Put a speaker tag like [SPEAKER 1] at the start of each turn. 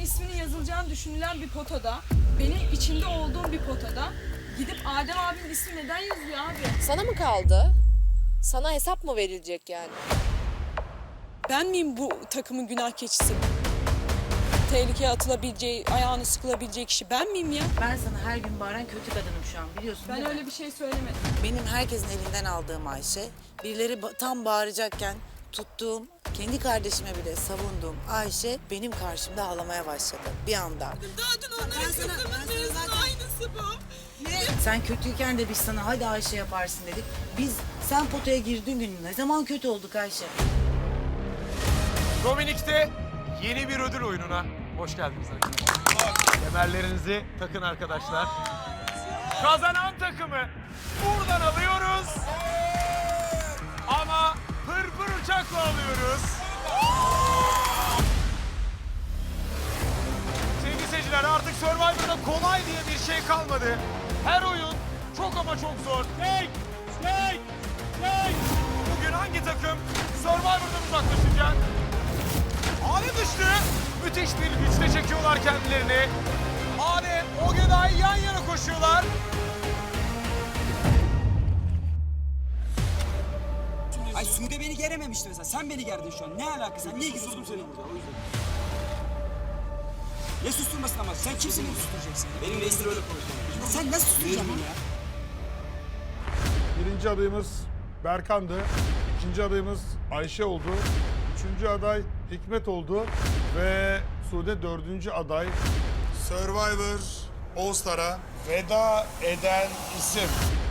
[SPEAKER 1] isminin yazılacağını düşünülen bir potada, benim içinde olduğum bir potada gidip Adem abinin ismi neden yazıyor abi?
[SPEAKER 2] Sana mı kaldı? Sana hesap mı verilecek yani?
[SPEAKER 3] Ben miyim bu takımın günah keçisi? Tehlikeye atılabileceği, ayağını sıkılabileceği kişi ben miyim ya?
[SPEAKER 4] Ben sana her gün bağıran kötü kadınım şu an, biliyorsun
[SPEAKER 1] Ben
[SPEAKER 4] değil mi?
[SPEAKER 1] öyle bir şey söylemedim.
[SPEAKER 4] Benim herkesin elinden aldığım Ayşe, birileri tam bağıracakken tuttuğum, kendi kardeşime bile savunduğum Ayşe benim karşımda ağlamaya başladı bir anda.
[SPEAKER 3] Daha dün onların kızımın mevzunun aynısı bu.
[SPEAKER 4] Sen kötüyken de biz sana hadi Ayşe yaparsın dedik. Biz sen potaya girdiğin gün ne zaman kötü olduk Ayşe?
[SPEAKER 5] Dominik'te yeni bir ödül oyununa hoş geldiniz arkadaşlar. Kemerlerinizi takın arkadaşlar. Kazanan takımı buradan alıyoruz. Ama pırpır uçakla alıyoruz. Sevgili seyirciler, artık Survivor'da kolay diye bir şey kalmadı. Her oyun çok ama çok zor. Bugün hangi takım Survivor'dan uzaklaşacak? Ane düştü. Müthiş bir güçle çekiyorlar kendilerini. Ane, Ogeday yan yana koşuyorlar.
[SPEAKER 6] Ay Sude beni gerememişti mesela. Sen beni gerdin şu an. Ne alakası? Sen niye sustum seni burada? O yüzden. Ne susturmasın ama? Sen kimsin beni susturacaksın? Benim reisler öyle konuşuyor. Sen nasıl susturacaksın beni ya?
[SPEAKER 7] Birinci adayımız Berkan'dı. İkinci adayımız Ayşe oldu. Üçüncü aday Hikmet oldu. Ve Sude dördüncü aday.
[SPEAKER 8] Survivor All Star'a veda eden isim.